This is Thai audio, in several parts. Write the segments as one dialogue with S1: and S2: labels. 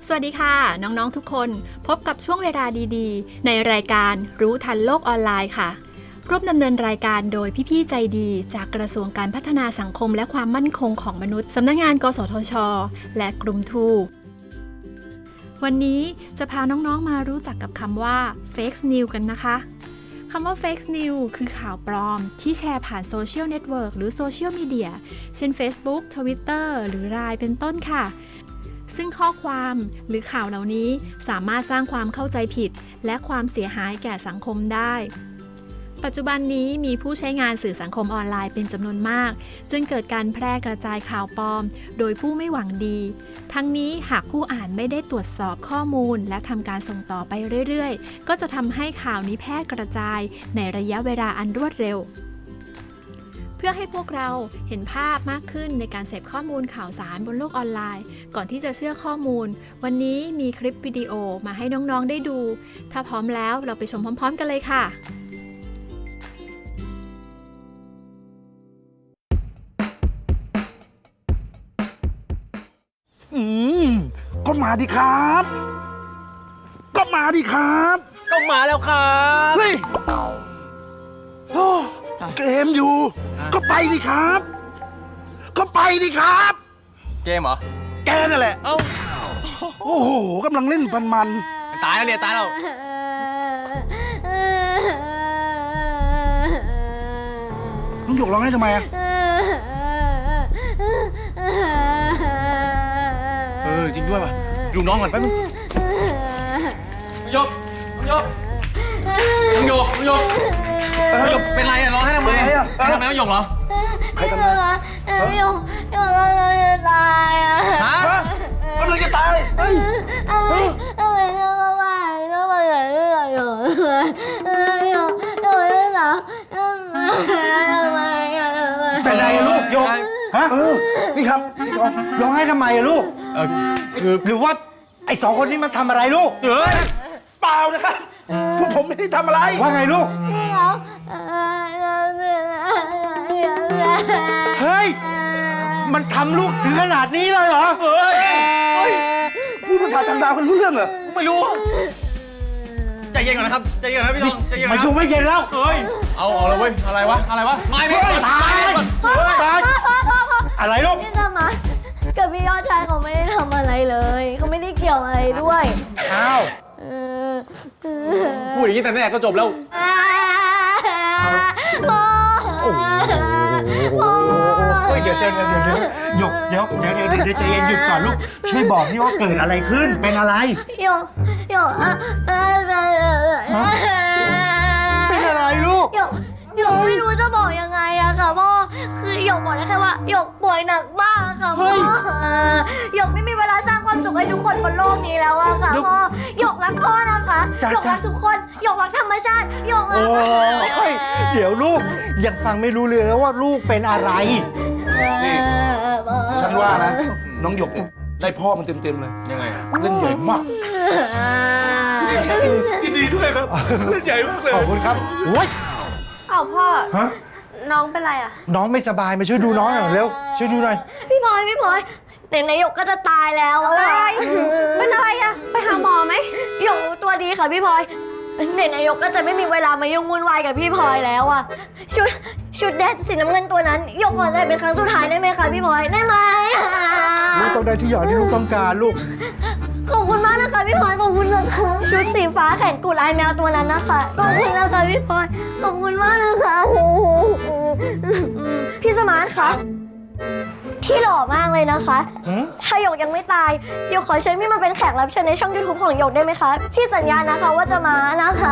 S1: สวัสดีค่ะน้องๆทุกคนพบกับช่วงเวลาดีๆในรายการรู้ทันโลกออนไลน์ค่ะร่วมดำเนินรายการโดยพี่ๆใจดีจากกระทรวงการพัฒนาสังคมและความมั่นคงของมนุษย์สำนักงานกสทช.และกลุ่มทูวันนี้จะพาน้องๆมารู้จักกับคำว่า Fake News กันนะคะคำว่า Fake News คือข่าวปลอมที่แชร์ผ่านโซเชียลเน็ตเวิร์กหรือโซเชียลมีเดียเช่น Facebook Twitter หรือ LINE เป็นต้นค่ะซึ่งข้อความหรือข่าวเหล่านี้สามารถสร้างความเข้าใจผิดและความเสียหายแก่สังคมได้ปัจจุบันนี้มีผู้ใช้งานสื่อสังคมออนไลน์เป็นจำนวนมากจึงเกิดการแพร่กระจายข่าวปลอมโดยผู้ไม่หวังดีทั้งนี้หากผู้อ่านไม่ได้ตรวจสอบข้อมูลและทำการส่งต่อไปเรื่อยๆก็จะทำให้ข่าวนี้แพร่กระจายในระยะเวลาอันรวดเร็วเพื่อให้พวกเราเห็นภาพมากขึ้นในการเสพข้อมูลข่าวสารบนโลกออนไลน์ก่อนที่จะเชื่อข้อมูลวันนี้มีคลิปวิดีโอมาให้น้องๆได้ดูถ้าพร้อมแล้วเราไปชมพร้อมๆกันเลยค่ะ
S2: ก็มาดิครับ ก็มาดิครับ
S3: ก็มาแล้วครับ
S2: เฮ้ยโอ้เกมอยู่ ก็ไปดิครับ ก็ไปดิครับ
S3: เกมเหรอ
S2: แกนั่นแหละ
S3: เอ้า
S2: โอ้โหกำลังเล่นมัน
S3: ตายแล้วเนี่ยตายแล้ว
S2: น้องหยกร้องให้ทำไมอะ
S3: จริงด้วยป่ะดูน้องก่อนแป๊บนึงน้องหยกเป็นไรอะร้องให้ทำไมใครทำไมน้องหยกเหรอ
S2: ใครทำไม
S4: หยกจะตายอ่ะ
S3: ฮะ
S2: กำลังจะตายเฮ้ย
S4: ทำไมต้องมาต้องมาอย่างนี้หยก
S5: เป็นไรอะลูกหยกฮะ
S2: นี่ครับพี่ทอง
S5: ร้องไห้ทำไมอะลูก
S3: คือ
S5: หรือว่าไอ้สองคนนี้มันทำอะไรลูก
S2: เปล่านะครับพวกผมไม่ได้ทำอะไร
S5: ว่าไงลูก เฮ้ย มันทำลูกถึงขนาดนี้เลยเหรอ
S2: พูดภาษาต่างดาวกันรู้เรื่องเหรอ
S3: กูไม่รู้ใจเย็นก่อนนะครับใจเย็นนะพี่ทองใจเย็น
S5: ไม่
S3: นะ
S5: ยุ่งไม่เย็นแล้ว
S3: เฮ้ยเอาเลยเว้ยอะไรวะไม่
S5: ตายตายอะไรลูก
S4: พี่สมากับพี่ยอดชายเขาไม่ได้ทำอะไรเลยเขาไม่ได้เกี่ยวอะไรด้วย
S5: อ้าว
S3: พูดอย่างนี้แต่แรกก็จบแล้ว
S5: เฮ้ยเดี๋ยวหยกเดี๋ยวใจเย็นหยุดก่อนลูก ช่วยบอกที่ว่าเกิดอะไรขึ้น เป็นอะไร
S4: หยก
S5: เป็นอะไรลูก
S4: หยกไม่รู้จะบอกยังไงอะค่ะพ่อคือหยกบอกได้แค่ว่าหยกป่วยหนักมากค่ะพ่อหยกไม่มีเวลาสร้างความสุขให้ทุกคนบนโลกนี้แล้วอะค่ะพ่อหยกรักพ่อนะคะหยกรักทุกคนหยกรักธรรมชาติหยกรัก
S5: โอ้ยเดี๋ยวลูกยังฟังไม่รู้เลยแล้วว่าลูกเป็นอะไร
S2: ฉันว่านะ น้องหยกเนี่ยได้พ่อมันเต็มๆเลย
S3: ยังไง
S2: เล่นใหญ่มากดีด้วยครับ เล่นใหญ่มากเลย
S5: ขอบคุณครับโอ้ย
S4: อ้าวพ่อ
S5: ฮะ
S4: น้องเป็นไรอะ
S5: น้องไม่สบายมาช่วยดูน้องหน่อยเร็ว ช่วยดูหน่อย
S4: พี่พลอยเด็กในหยกก็จะตายแล้วอะไรเป็นอะไรอะไปหาหมอไหมหยกรู้ตัวดีค่ะพี่พลอยเด็กในหยกก็จะไม่มีเวลามายุ่งวุ่นวายกับพี่พลอยแล้วอะชุดแดดสีน้ำเงินตัวนั้นหยกขอใส่เป็นครั้งสุดท้ายได้ไหมคะพี่พลอยได้ไหม
S5: ลูกต้องได้ที่หยอดที่ลูกต้องการลูก
S4: ขอบคุณมากนะคะพี่พลอยขอบคุณนะคะชุดสีฟ้าแขนกุดลายแมวตัวนั้นนะคะขอบคุณนะคะพี่พลอยขอบคุณมากนะคะพี่สมาร์ทคะพี่หล่อมากเลยนะคะ
S5: หืม
S4: ถ้าหยกยังไม่ตายหยกขอเชิญพี่มาเป็นแขกรับเชิญในช่อง YouTube ของหยกได้ไหมคะพี่สัญญานะคะว่าจะมานะคะ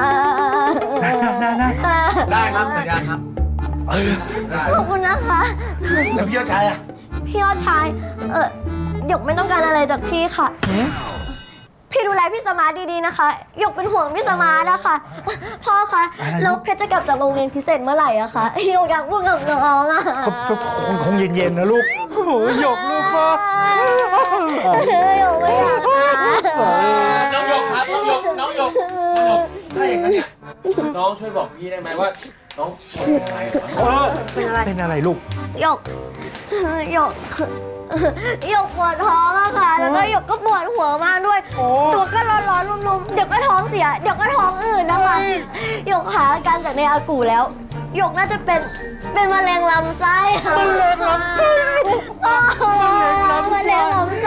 S3: ได้ครับสัญญาครับ
S4: ขอบคุณนะคะ
S2: แล้วพี่ยอดชายอะ
S4: พี่ยอดชายหยกไม่ต้องการอะไรจากพี่ค่ะ พี่ดูแลพี่สมาร์ทดีๆนะคะหยกเป็นห่วงพี่สมาร์ทนะคะพ่อคะแล้วเพชรจะกลับจากโรงเรียนพิเศษเมื่อไหร่อะคะหยกอยากพูดกับน้องอะ
S5: ก็คงเย็นๆนะลูก โอ้โหหยกลูกพ่อ
S4: หยกไม่อยากมา
S3: น้องหยกครับน้องหยกถ้าอย่างนั้นเนี่ยน้องช่วยบอกพี่ได้ไหมว่าน้องเป็นอะไร
S5: เป็นอะไรลูก
S4: หยกหยกปวดท้องอะค่ะ แล้วก็หยกก็ปวดหัวมากด้วย ตัวก็ร้อนๆรุมๆเดี๋ยวก็ท้องเสีย เดี๋ยวก็ท้องอืดนะคะหยกหาอาการจากในอากูแล้วหยกน่าจะเป็นมะเร็งลำไส้ค่ะมะเร็งลำไส้มะเร็งลำไส้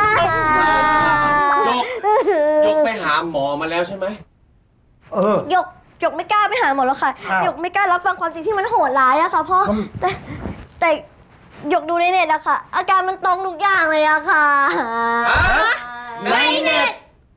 S3: ยกไปหาหมอมาแล้วใช่ไหม
S4: หยกไม่กล้าไปหาหมอแล้วค่ะ
S5: อ้าว
S4: หยกไม่กล้ารับฟังความจริงที่มันโหดร้ายอะค่ะพ่อแต่หยกดูในเน็ตอะค่ะ อาการมันตรงทุกอย่างเลยอะค่ะ
S3: ในเน็ต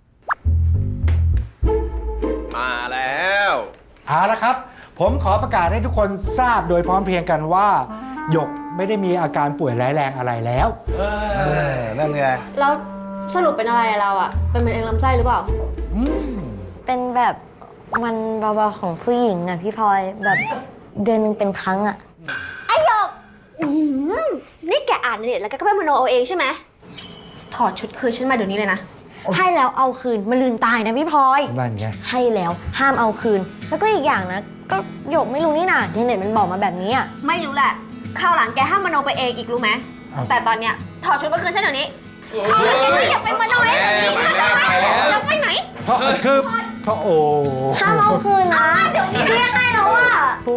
S3: มาแล้ว
S5: เอาละครับ ผมขอประกาศให้ทุกคนทราบโดยพร้อมเพรียงกันว่าหยกไม่ได้มีอาการป่วยร้ายแรงอะไรแล้ว
S2: นั่นไง
S6: แล้วสรุปเป็นอะไรอะเราอะเป็นมะเร็งลำไส้หรือเปล่า
S4: เป็นแบบมันเบาๆของผู้หญิงอะพี่พลอยแบบเดือนหนึงเป็นครั้งอะ
S6: ไอหยกนี่แกอ่านในเน็ตแล้วแกก็ไปมโนเอาเองใช่ไหมถอดชุดคืนฉันมาเดี๋ยวนี้เลยนะ
S4: ให้แล้วเอาคืนมันลืมตายนะพี่พลอย
S5: นั่นไง
S4: ให้แล้วห้ามเอาคืน แล้วก็อีกอย่างนะ ก็หยกไม่รู้นี่นะในเน็ตมันบอกมาแบบนี้อะ
S6: ไม่รู้แหละคราวหลังแกห้ามมโนไปเองอีกรู้ไหม
S5: อ้าว
S6: แต่ตอนเนี้ยถอดชุดมาคืนฉันเดี๋ยวนี้
S3: อยากไปมโนเองไปแล้ว
S6: จะไปไหน
S5: เพราะโอ้
S4: ห้ามเอาคืนนะเดี๋ยวนี้พี่ให้แล้วอะ
S5: โอ้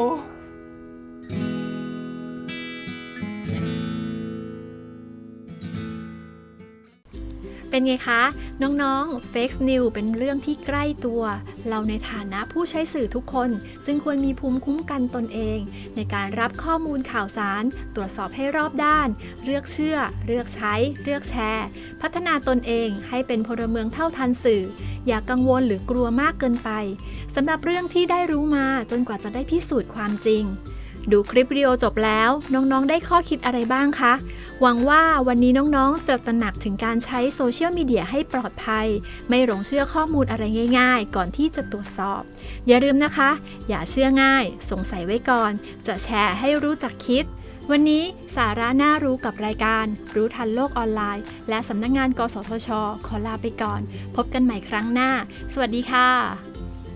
S1: เป็นไงคะ น้องๆ Fake News เป็นเรื่องที่ใกล้ตัว เราในฐานะผู้ใช้สื่อทุกคน จึงควรมีภูมิคุ้มกันตนเอง ในการรับข้อมูลข่าวสาร ตรวจสอบให้รอบด้าน เลือกเชื่อ เลือกใช้ เลือกแชร์ พัฒนาตนเองให้เป็นพลเมืองเท่าทันสื่อ อย่ากกังวลหรือกลัวมากเกินไปสำหรับเรื่องที่ได้รู้มาจนกว่าจะได้พิสูจน์ความจริง ดูคลิปวิดีโอจบแล้วน้องๆได้ข้อคิดอะไรบ้างคะ หวังว่าวันนี้น้องๆจะตระหนักถึงการใช้โซเชียลมีเดียให้ปลอดภัย ไม่หลงเชื่อข้อมูลอะไรง่ายๆ ก่อนที่จะตรวจสอบ อย่าลืมนะคะ อย่าเชื่อง่าย สงสัยไว้ก่อน จะแชร์ให้รู้จักคิด วันนี้สาระน่ารู้กับรายการรู้ทันโลกออนไลน์ และสำนักงานกสทช.ขอลาไปก่อน พบกันใหม่ครั้งหน้า สวัสดีค่ะ